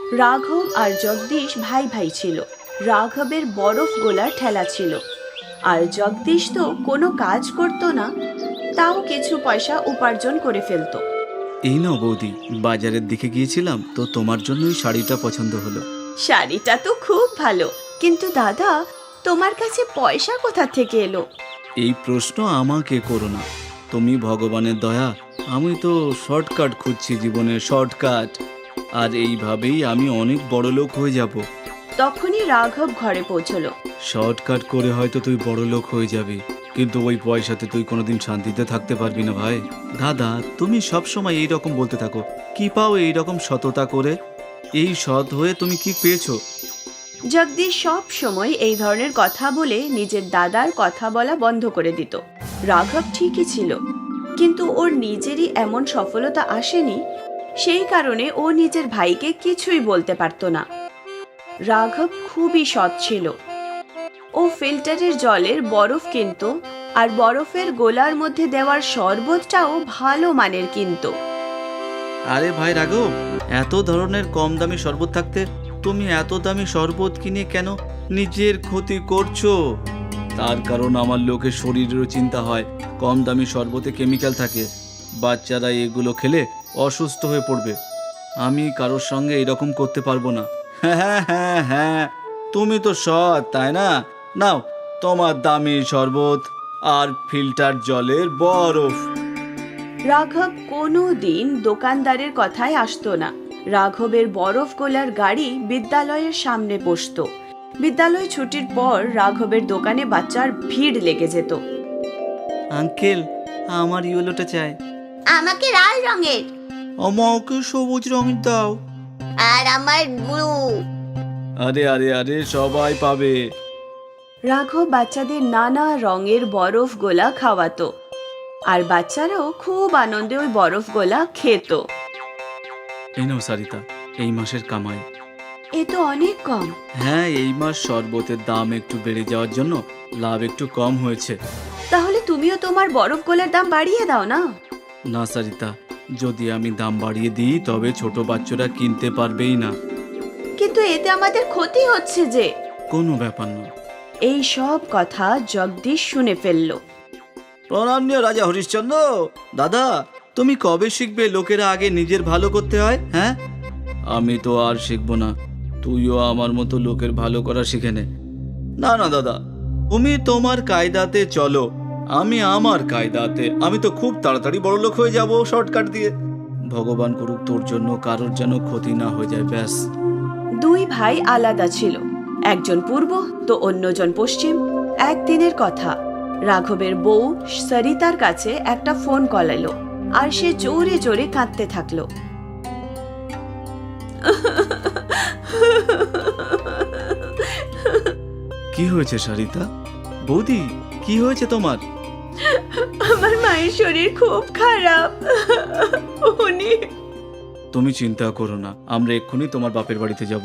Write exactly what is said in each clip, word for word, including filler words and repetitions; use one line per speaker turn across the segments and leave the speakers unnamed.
রাঘব আর জগদীশ ভাই ভাই ছিল। রাঘবের বরফ গোলার ঠেলা ছিল, আর জগদীশ তো কোনো কাজ করতো না, তাও কিছু পয়সা উপার্জন করে ফেলতো।
এই নাও বৌদি, বাজারের দিকে গিয়েছিলাম তো তোমার জন্যই শাড়িটা পছন্দ হলো।
শাড়িটা তো খুব ভালো, কিন্তু দাদা তোমার কাছে পয়সা কোথা থেকে এলো?
এই প্রশ্ন আমাকে করো না, তুমি ভগবানের দয়া। আমি তো শর্টকাট খুঁজছি, জীবনের শর্টকাট, আর এইভাবেই আমি অনেক বড় লোক হয়ে যাব।
তখনই রাঘব ঘরে পৌঁছলো।
শর্টকাট করে হয়তো তুই বড় লোক হয়ে যাবি, কিন্তু ওই পয়সাতে তুই কোনোদিন শান্তিতে থাকতে পারবি না ভাই। দাদা, তুমি সব সময় এই রকম বলতে থাকো, কি পাও এই রকম সততা করে? এই সৎ হয়ে তুমি কি পেয়েছো?
জগদীশ সব সময় এই ধরনের কথা বলে নিজের দাদার কথা বলা বন্ধ করে দিত। রাঘব ঠিকই ছিল, কিন্তু ওর নিজেরই এমন সফলতা আসেনি, সেই কারণে ও নিজের ভাইকে কিছুই বলতে পারত না। রাঘব খুবই সৎ ছিল। ও ফিল্টারের জলের বরফ কিনত, আর বরফের গোলার মধ্যে দেওয়ার শরবতটাও ভালো মানের কিনত।
আরে ভাই রাঘব, এত ধরনের কম দামি শরবত থাকতে তুমি এত দামি শরবত কিনে কেন নিজের ক্ষতি করছো? তার কারণ আমার লোকের শরীরেরও চিন্তা হয়। কম দামি শরবতে কেমিক্যাল থাকে, বাচ্চারা এগুলো খেলে অসুস্থ হয়ে পড়বে। আমি কারোর সঙ্গে এরকম করতে পারবো না। হ্যাঁ হ্যাঁ হ্যাঁ, তুমি তো সৎ, তাই না? নাও তোমার দামি শরবত আর ফিল্টার জলের বরফ।
রাঘব কোনো দিন দোকানদারের কথায় আসতো না। রাঘবের বরফ গোলার গাড়ি বিদ্যালয়ের সামনে বসতো। বিদ্যালয় ছুটির পর রাঘবের দোকানে বাচ্চার ভিড় লেগে যেত।
আঙ্কেল, আমার ইয়েলোটা চাই।
আমাকে লাল রঙের।
আমাকে সবুজ রঙের দাও।
আর আমার ব্লু।
আরে আরে আরে, সবাই পাবে।
রাঘব বাচ্চাদের নানা রঙের বরফ গোলা খাওয়াতো, আর বাচ্চারাও খুব আনন্দে ওই বরফ গোলা খেত।
এই নাও সারিতা, এই মাসের কামাই।
এ তো অনেক কম।
হ্যাঁ, এই মাস শরবতের দাম একটু বেড়ে যাওয়ার জন্য লাভ একটু কম হয়েছে।
তাহলে তুমিও তোমার বরফ গোলার দাম বাড়িয়ে দাও না।
না সারিতা, যদি আমি দাম বাড়িয়ে দিই তবে ছোট বাচ্চারা কিনতে পারবেই না।
কিন্তু এতে আমাদের ক্ষতি হচ্ছে যে।
কোনো ব্যাপার না।
এই সব কথা জগদীশ শুনে ফেলল।
প্রণামনীয় রাজা হরিশ্চন্দ্র, দাদা তুমি কবে শিখবে লোকেরা আগে নিজের ভালো করতে হয়? হ্যাঁ, আমি তো আর শিখবো না, তুইও আমার মতো লোকের ভালো করা শিখে নে। না না দাদা, তুমি তোমার কায়দাতে চলো, আমি আমার কায়দাতে। আমি তো খুব তাড়াতাড়ি বড় লোক হয়ে যাব শর্টকাট দিয়ে। ভগবান করুক তোর জন্য কারোর যেন ক্ষতি না হয়ে যায়, ব্যাস।
দুই ভাই আলাদা ছিল, একজন পূর্ব তো অন্যজন পশ্চিম। একদিনের কথা, রাঘবের বউ সরিতার কাছে একটা ফোন কল এলো, আর সে জোরে জোরে কাঁদতে থাকলো।
কি হয়েছে সারিতা? বৌদি, কি হয়েছে তোমার?
আমার মায়ের শরীর খুব খারাপ। উনি
তুমি চিন্তা করো না, আমরা এক্ষুনি তোমার বাপের বাড়িতে যাব।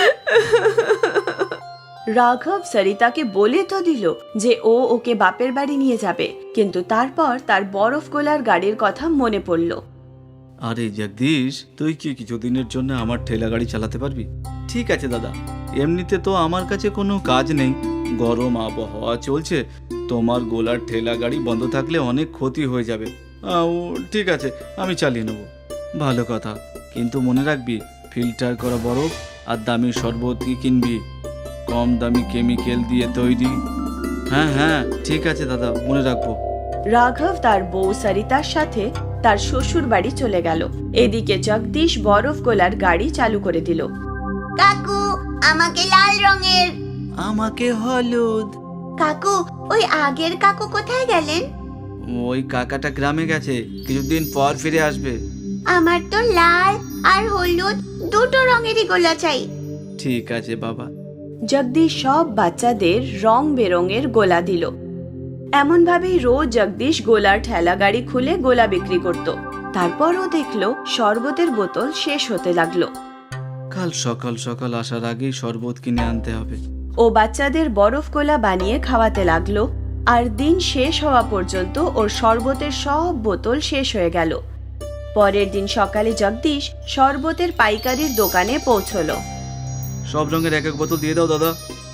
রাঘব সরিতাকে বলে তো দিল যে ও ওকে বাপের বাড়ি নিয়ে যাবে, কিন্তু তারপর তার বরফ গোলার গাড়ির কথা মনে পড়ল।
আরে জগদীশ, তুই কি কিছুদিনের জন্য আমার ঠেলা গাড়ি চালাতে পারবি? ঠিক আছে দাদা, এমনিতে তো আমার কাছে কোনো কাজ নেই, গরম আবহাওয়া চলছে, তোমার গোলার ঠেলা গাড়ি বন্ধ থাকলে অনেক ক্ষতি হয়ে যাবে। আহ, ঠিক আছে, আমি চালিয়ে নেব। ভালো কথা, কিন্তু মনে রাখবি ফিল্টার করা বরফ আর দামি শরবত কি কিনবি, কম দামি কেমিক্যাল দিয়ে তৈরি। হ্যাঁ হ্যাঁ ঠিক আছে দাদা, মনে রাখবো।
রাঘব তার বউ সরিতার সাথে তার শ্বশুর বাড়ি চলে গেল। এদিকে জগদীশ বরফ গোলার গাড়ি চালু করে দিল।
কাকু, আমাকে লাল রঙের।
আমাকে হলুদ।
কাকু, ওই আগের কাকু কোথায় গেলেন?
ওই কাকাটা গ্রামে গেছে, কিছুদিন পর ফিরে আসবে।
আমার তো লাল আর হলুদ দুটো রঙেরই গোলা চাই।
ঠিক আছে বাবা।
জগদীশ সব বাচ্চাদের রং বেরঙের গোলা দিল। এমন ভাবেই রোজ জগদীশ গোলার ঠেলা গাড়ি খুলে গোলা বিক্রি করত। তারপরও দেখলো শরবতের বোতল শেষ হতে লাগলো।
কাল সকাল সকাল আসার আগেই শরবত কিনে আনতে হবে।
ও বাচ্চাদের বরফ গোলা বানিয়ে খাওয়াতে লাগলো, আর দিন শেষ হওয়া পর্যন্ত ওর শরবতের সব বোতল শেষ হয়ে গেল। পরের দিন সকালে জগদীশ শরবতের পাইকারির দোকানে পৌঁছলো।
সব রঙের এক এক বোতল দিয়ে দাও দাদা।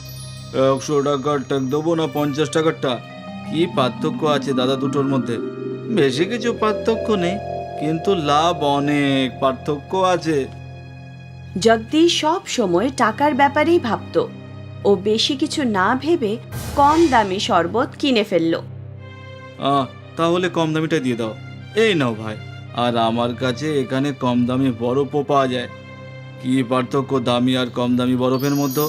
একশো টাকার টাক দেবো না পঞ্চাশ টাকারটা? কি পার্থক্য আছে দাদা দুটোর মধ্যে? বেশি কিছু পার্থক্য নেই, কিন্তু লাভ অনেক পার্থক্য আছে।
জগদীশ সব সময় টাকার ব্যাপারেই ভাবত। ও বেশি কিছু না ভেবে কম দামি শরবত কিনে ফেলল।
আহ তাহলে কম দামিটা দিয়ে দাও। এই নাও ভাই। আর আমার কাছে এখানে কম দামি বরফও পাওয়া যায়। কি পার্থক্য দামি আর কম দামি বরফের মধ্যে?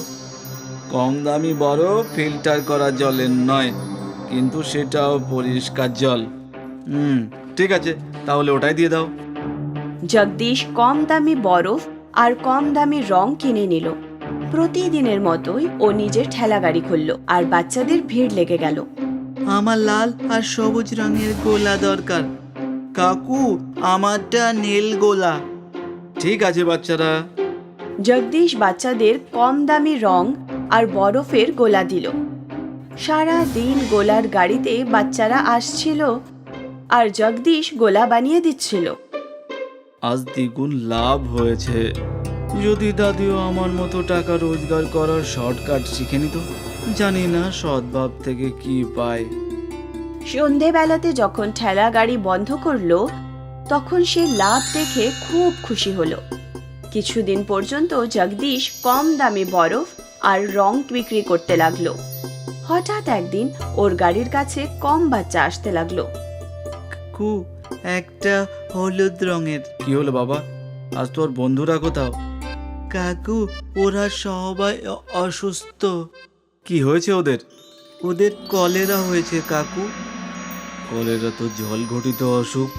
কম দামি বরফ ফিল্টার করা জলের নয়, কিন্তু সেটাও পরিষ্কার জল। হুম ঠিক আছে, তাহলে ওটাই দিয়ে দাও।
জগদীশ কম দামি বরফ আর কম দামি রং কিনে নিল। প্রতিদিনের মতোই ও নিজের ঠেলা গাড়ি খুলল আর বাচ্চাদের ভিড় লেগে গেল।
আমার লাল আর সবুজ রঙের গোলা দরকার। কাকু, আমারটা নীল গোলা। ঠিক আছে বাচ্চারা।
জগদীশ বাচ্চাদের কম দামি রং আর বরফের গোলা দিল। সারা দিন গোলার গাড়িতে বাচ্চারা আসছিল আর জগদীশ গোলা বানিয়ে দিচ্ছিল।
আজ দ্বিগুণ লাভ হয়েছে। যদি দাদিও আমার মতো টাকা রোজগার করার শর্টকাট শিখে নিত। জানি না সদ্ভাব থেকে কি পায়।
সন্ধেবেলাতে যখন ঠেলা গাড়ি বন্ধ করলো, তখন সে লাভ দেখে খুব খুশি হলো। কিছুদিন পর্যন্ত জগদীশ কম দামি বরফ আর রং বিক্রি করতে লাগলো। হঠাৎ একদিন ওর গাড়ির কাছে কম বাচ্চা আসতে লাগলো।
কাকু, একটা হলুদ রঙের। কি হলো বাবা? আজ তোর বন্ধুরা কোথাও? কাকু, ওরা সবাই অসুস্থ। কি হয়েছে ওদের? ওদের কলেরা হয়েছে কাকু। কলেরা তো জল ঘটিত অসুখ।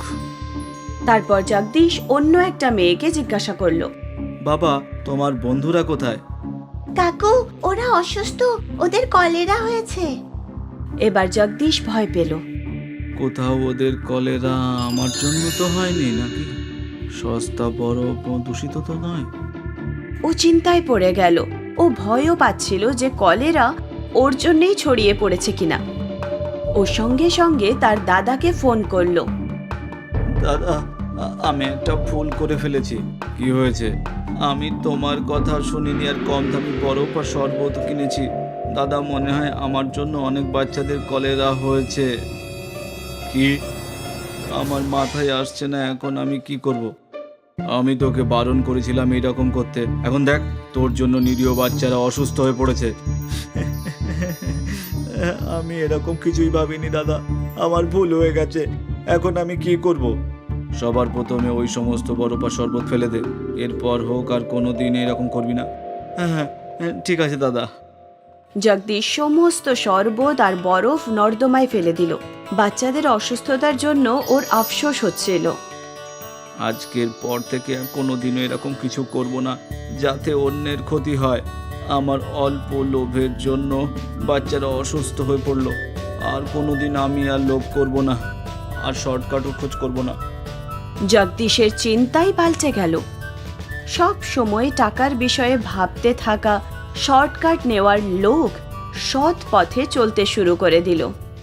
তারপর জগদীশ অন্য একটা মেয়েকে জিজ্ঞাসা করলো,
বাবা, তোমার বন্ধুরা কোথায়?
কাকু, ওরা অসুস্থ, ওদের কলেরা হয়েছে।
এবার জগদীশ ভয় পেল।
কোথাও ওদের কলেরা আমার জন্য তো হয়নি নাকি? সস্তা বরফ দূষিত তো নয়।
ও চিন্তায় পড়ে গেল। ও ভয়ও পাচ্ছিল যে কলেরা ওর জন্যই ছড়িয়ে পড়েছে কিনা। ও সঙ্গে সঙ্গে তার দাদাকে ফোন করলো।
দাদা, আমি একটা ভুল করে ফেলেছি। কি হয়েছে? আমি তোমার কথা শুনিনি আর কম দামি বরফ আর শরবত কিনেছি। দাদা, মনে হয় আমার জন্য অনেক বাচ্চাদের কলেরা হয়েছে। কি? আমার মাথায় আসছে না এখন আমি কি করব। আমি তোকে বারণ করেছিলাম এরকম করতে। এখন দেখ, তোর জন্য নিরীহ বাচ্চারা অসুস্থ হয়ে পড়েছে। আমি এরকম কিছুই ভাবিনি দাদা, আমার ভুল হয়ে গেছে। এখন আমি কি করব? সবার প্রথমে ওই সমস্ত বরফ আর শরবত ফেলে দে। এরপর হোক আর কোনো দিন এরকম করবি না। হ্যাঁ হ্যাঁ ঠিক আছে দাদা।
জগদীশ সমস্ত শরবত আর বরফ নর্দমায় ফেলে দিল। বাচ্চাদের অসুস্থতার জন্য ওর আফসোস হচ্ছিল।
আজকের পর থেকে আর কোনোদিনও এরকম কিছু করব না, যাতে অন্যের ক্ষতি হয়। আমার অল্প লোভের জন্য বাচ্চারা অসুস্থ হয়ে পড়লো। আর কোনোদিন আমি আর লোভ করব না, আর শর্টকাটও খোঁজ করব না।
জগদীশের চিন্তাই পাল্টে গেল। সব সময় টাকার বিষয়ে ভাবতে থাকা শর্টকাট নেওয়ার লোক সৎ পথে চলতে শুরু করে দিল।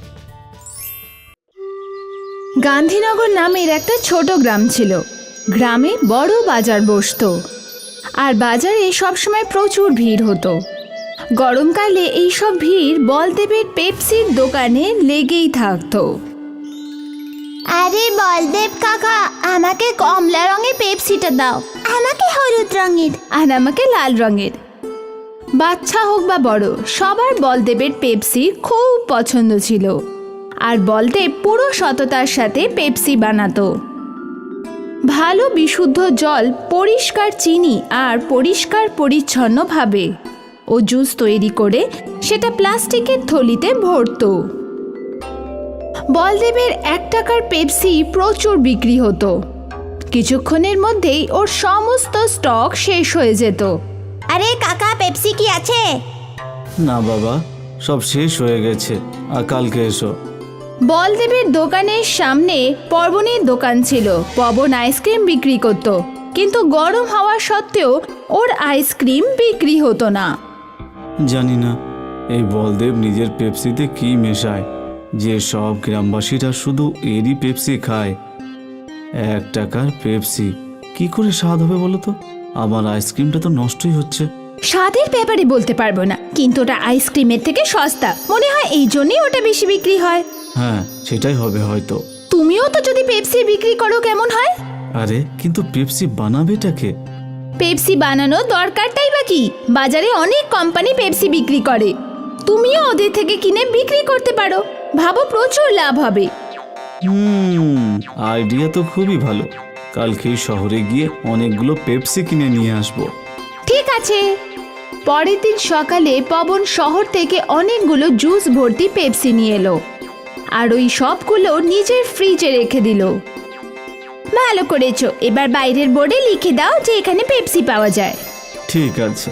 গান্ধীনগর নামের একটা ছোট গ্রাম ছিল। গ্রামে বড় বাজার বসতো আর বাজারে সবসময় প্রচুর ভিড় হতো। গরমকালে এইসব ভিড় বলদেবের পেপসির দোকানে লেগেই থাকতো।
আরে বলদেব কাকা, আমাকে কমলা রঙের পেপসিটা দাও। আমাকে হলুদ রঙের।
আর আমাকে লাল রঙের। বাচ্চা হোক বা বড়, সবার বলদেবের পেপসি খুব পছন্দ ছিল। আর বলদেব পুরো সততার সাথে পেপসি বানাতো। ভালো বিশুদ্ধ জল, পরিষ্কার চিনি আর পরিষ্কার পরিচ্ছন্নভাবে ও জুস তৈরি করে সেটা প্লাস্টিকের থলিতে ভরতো। বলদেবের এক টাকার পেপসি প্রচুর বিক্রি হতো। কিছুক্ষণের মধ্যেই ওর সমস্ত স্টক শেষ হয়ে যেত।
আরে কাকা, পেপসি কি আছে?
না বাবা, সব শেষ হয়ে গেছে, আর কালকে এসো।
বলদেবের দোকানের সামনে পবনের দোকান ছিল। পবন আইসক্রিম বিক্রি করত, কিন্তু গরম হওয়া সত্ত্বেও ওর আইসক্রিম বিক্রি হতো না।
জানি না এই বলদেব নিজের পেপসিতে কি মেশায় যে সব গ্রামবাসীরা শুধু এরই পেপসি খায়। এক টাকার পেপসি কি করে স্বাদ হবে বলো তো? আমার আইসক্রিমটা তো নষ্টই হচ্ছে।
স্বাদের ব্যাপারে বলতে পারবো না, কিন্তু ওটা আইসক্রিমের থেকে সস্তা মনে হয়, এই জন্যই ওটা বেশি বিক্রি হয়।
হ্যাঁ সেটাই হবে হয়তো।
তুমিও তো যদি পেপসি বিক্রি করো কেমন হয়?
আরে কিন্তু পেপসি বানাবেটাকে?
পেপসি বানানো দরকারটাই বা কি? বাজারে অনেক কোম্পানি পেপসি বিক্রি করে, তুমিও ওদের থেকে কিনে বিক্রি করতে পারো, ভাবো প্রচুর লাভ হবে।
হুম আইডিয়া তো খুবই ভালো। কালকেই শহরে গিয়ে অনেকগুলো পেপসি কিনে নিয়ে আসবো।
ঠিক আছে। পরের দিন সকালে পবন শহর থেকে অনেকগুলো জুস ভর্তি পেপসি নিয়ে এলো, আর ওই সবগুলো নিজের ফ্রিজে রেখে দিল। ভালো করেছো, এবার বাইরের বোর্ডে লিখে দাও যে এখানে পেপসি পাওয়া যায়।
ঠিক আছে।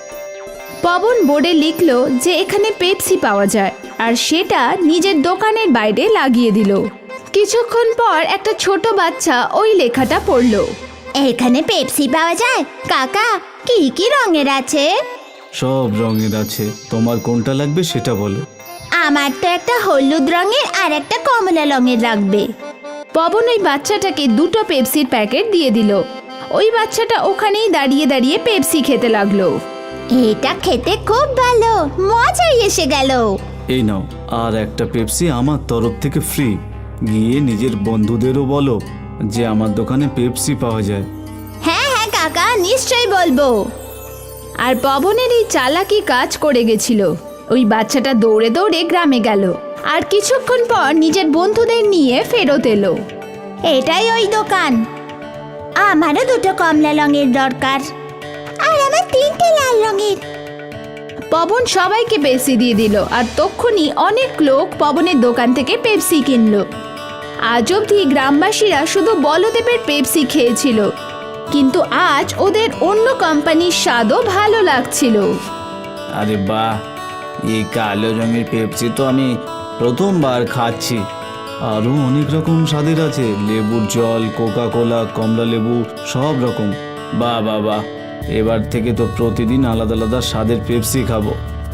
পবন বোর্ডে লিখলো যে এখানে পেপসি পাওয়া যায়, আর সেটা নিজের দোকানের বাইরে লাগিয়ে দিল। কিছুক্ষণ পর একটা ছোট বাচ্চা ওই লেখাটা পড়লো।
এখানে পেপসি পাওয়া যায় কাকা, কি কি রঙের আছে?
সব রঙের আছে, তোমার কোনটা লাগবে সেটা বলো।
আমার তো একটা হলুদ রঙের আর একটা কমলা রঙের লাগবে।
পবন ওই বাচ্চাটাকে দুটো পেপসির প্যাকেট দিয়ে দিল। ওই বাচ্চাটা ওখানেই দাঁড়িয়ে দাঁড়িয়ে পেপসি খেতে লাগলো।
এটা খেতে খুব ভালো, মজাই এসে গেল।
এই নাও আর একটা পেপসি আমার তরফ থেকে ফ্রি। গিয়ে নিজের বন্ধুদেরও বলো যে আমার দোকানে পেপসি পাওয়া যায়।
হ্যাঁ হ্যাঁ কাকা, নিশ্চয়ই বলবো।
আর পবনের এই চালাকি কাজ করে গেছিল। ওই বাচ্চাটা দৌড়ে দৌড়ে গ্রামে গেল, আর কিছুক্ষণ পর নিজের বন্ধুদের নিয়ে ফেরত এলো।
এটাই ওই দোকান। আমারও দুটো কমলা রঙের দরকার, আর আমার তিনটে লাল রঙের।
পবন সবাইকে পেপসি দিয়ে দিল, আর তক্ষুনি অনেক লোক পবনের দোকান থেকে পেপসি কিনলো। আজ অবধি গ্রামবাসীরা শুধু বলদেবের পেপসি খেয়েছিল, কিন্তু আজ ওদের অন্য কোম্পানির স্বাদও ভালো লাগছিল।
আরে বাহ, এই কালো রঙের পেপসি তো আমি প্রথমবার খাচ্ছি। আরও অনেক রকম স্বাদের আছে, লেবুর জল, কোকা কোলা, কমলা লেবু, সব রকম। বাহ বাহ বাহ, এবার থেকে তো প্রতিদিন আলাদা আলাদা স্বাদের পেপসি খাবো।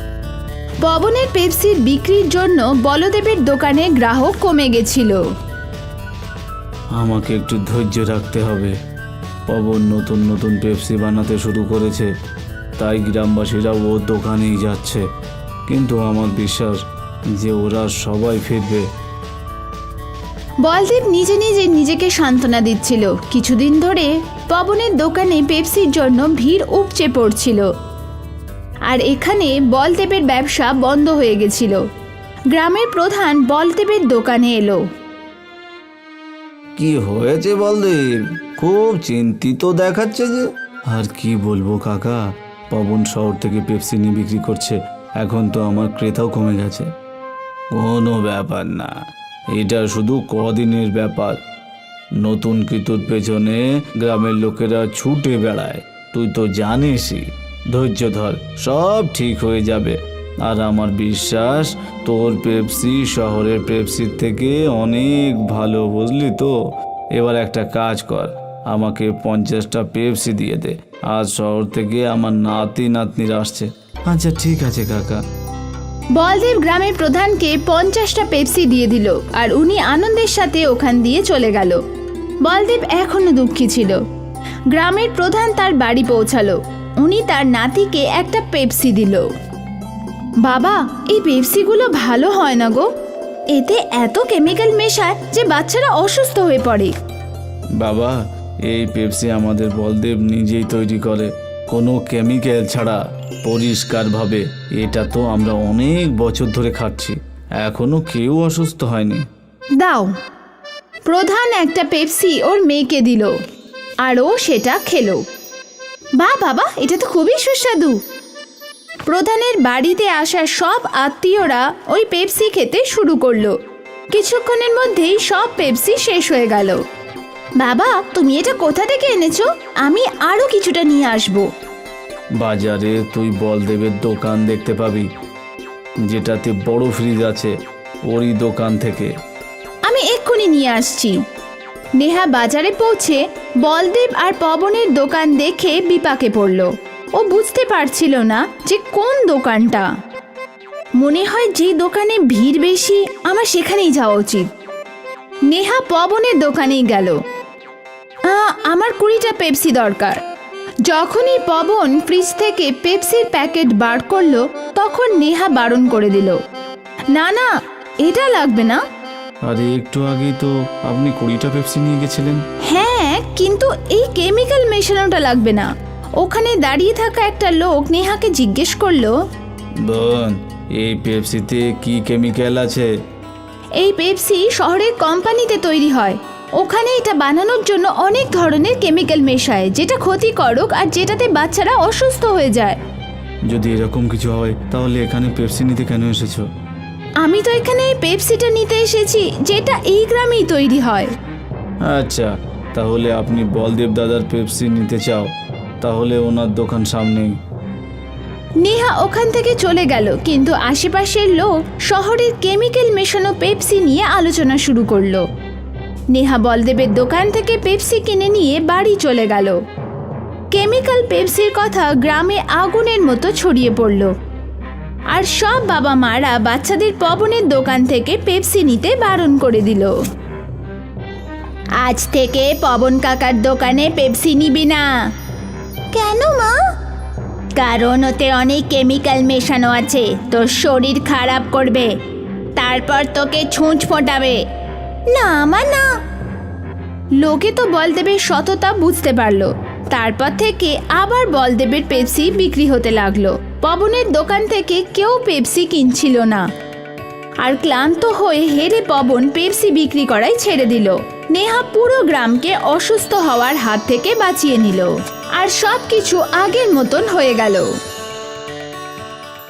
পবনের পেপসির বিক্রির জন্য বলদেবের দোকানে গ্রাহক কমে গেছিল।
আমাকে একটু ধৈর্য রাখতে হবে। পবন নতুন নতুন পেপসি বানাতে শুরু করেছে, তাই গ্রামবাসীরা ওর দোকানেই যাচ্ছে। কিন্তু আমার বিশ্বাস যে ওরা সবাই ফিরবে।
বলদেব নিজে নিজে নিজেকে সান্ত্বনা দিচ্ছিল। কিছুদিন ধরে পবনের দোকানে পেপসির জন্য ভিড় উপচে পড়ছিল, আর এখানে বলদেবের ব্যবসা বন্ধ হয়ে গেছিল। গ্রামের প্রধান বলদেবের দোকানে এলো।
কি হয়েছে বলদেব? খুব চিন্তিত দেখাচ্ছে যে। আর কি বলবো কাকা, পবন শহর থেকে পেপসি নিয়ে বিক্রি করছে, এখন তো আমার ক্রেতাও কমে গেছে। কোনো ব্যাপার না, এটা শুধু কদিনের ব্যাপার। নতুন কিতুর পেছনে গ্রামের লোকেরা ছুটে বেড়ায়, তুই তো জানিসই। ধৈর্য ধর, সব ঠিক হয়ে যাবে। আর আমার বিশ্বাস তোর পেপসি শহরের পেপসির থেকে অনেক ভালো, বুঝলি তো? এবার একটা কাজ কর, আমাকে পঞ্চাশটা পেপসি দিয়ে দে। আজ শহর থেকে আমার নাতি নাতনিরা আসছে। আচ্ছা ঠিক আছে কাকা।
বলদেব গ্রামের প্রধানকে পঞ্চাশটা পেপসি দিয়ে দিল, আর উনি আনন্দের সাথে ওখান দিয়ে চলে গেল। বলদেব এখনো দুঃখী ছিল। গ্রামের প্রধান তার বাড়ি পৌঁছালো। উনি তার নাতিকে একটা পেপসি দিল। বাবা, এই পেপসিগুলো ভালো হয় না গো, এতে এত কেমিক্যাল মেশায় যে বাচ্চারা অসুস্থ হয়ে পড়ে।
বাবা, এই পেপসি আমাদের বলদেব নিজেই তৈরি করে, কোনো কেমিক্যাল ছাড়া, পরিষ্কারভাবে। এটা তো আমরা অনেক বছর ধরে খাচ্ছি, এখনো কেউ অসুস্থ হয়নি।
দাও। প্রধান একটা পেপসি ওর মেয়েকে দিল, আর ও সেটা খেলো। বাহ বাবা, এটা তো খুবই সুস্বাদু। প্রধানের বাড়িতে আসা সব আত্মীয়রা ওই পেপসি খেতে শুরু করলো। কিছুক্ষণের মধ্যেই সব পেপসি শেষ হয়ে গেল। বাবা, তুমি এটা কোথা থেকে এনেছো? আমি আরো কিছুটা নিয়ে আসবো।
বাজারে তুই বলদেবের দোকান দেখতে পাবি, যেটাতে বড় ফ্রিজ আছে, ওরই দোকান থেকে।
আমি এক্ষুনি নিয়ে আসছি। নেহা বাজারে পৌঁছে বলদেব আর পবনের দোকান দেখে বিপাকে পড়ল। ও বুঝতে পারছিল না যে কোন দোকানটা। মনে হয় যে দোকানে ভিড় বেশি, আমার সেখানেই যাওয়া উচিত। নেহা পবনের দোকানেই গেল। আহ, আমার কুড়িটা পেপসি দরকার। যখনই পবন ফ্রিজ থেকে পেপসির প্যাকেট বার করলো তখন নেহা বারণ করে দিল, না না এটা লাগবে না।
আরে একটু আগেই তো আপনি কুড়িটা পেপসি নিয়ে গেছিলেন।
হ্যাঁ, কিন্তু এই কেমিক্যাল মেশানোটা লাগবে না। ওখানে দাঁড়িয়ে থাকা একটা লোক নেহাকে জিজ্ঞেস করলো,
বোন, এই পেপসিতে কি কেমিক্যাল আছে?
এই পেপসি শহরের কোম্পানিতে তৈরি হয়, ওখানে এটা বানানোর জন্য অনেক ধরনের কেমিক্যাল মেশায় যেটা ক্ষতিকারক আর যেটাতে বাচ্চারা অসুস্থ হয়ে যায়।
যদি এরকম কিছু হয় তাহলে এখানে পেপসি নিতে কেন এসেছো?
আমি তো এখানে এই পেপসিটা নিতে এসেছি যেটা এই গ্রামেই তৈরি হয়।
আচ্ছা, তাহলে আপনি বলদেব দাদার পেপসি নিতে চাও, তাহলে ওনার দোকান সামনেই।
নেহা ওখান থেকে চলে গেল, কিন্তু আশেপাশের লোক শহরের কেমিক্যাল মেশানো পেপসি নিয়ে আলোচনা শুরু করলো। নেহা বলদেবের দোকান থেকে পেপসি কিনে নিয়ে বাড়ি চলে গেল। কেমিক্যাল পেপসির কথা গ্রামে আগুনের মতো ছড়িয়ে পড়ল, আর সব বাবা মারা বাচ্চাদের পবনের দোকান থেকে পেপসি নিতে বারণ করে দিল। আজ থেকে পবন কাকার দোকানে পেপসি নিবি না।
কেন মা?
কারণ ওতে অনেক কেমিক্যাল মেশানো আছে, তোর শরীর খারাপ করবে, তারপর তোকে ছুঁচ ফোটাবে।
না মা না।
লোকে তো বলদেবের সততা বুঝতে পারলো। তারপর থেকে আবার বলদেবের পেপসি বিক্রি হতে লাগলো। পবনের দোকান থেকে কেউ পেপসি কিনছিল না, আর ক্লান্ত হয়ে হেরে পবন পেপসি বিক্রি করাই ছেড়ে দিল। নেহা পুরো গ্রামকে অসুস্থ হওয়ার হাত থেকে বাঁচিয়ে নিল, আর সব কিছু আগের মতন হয়ে গেল।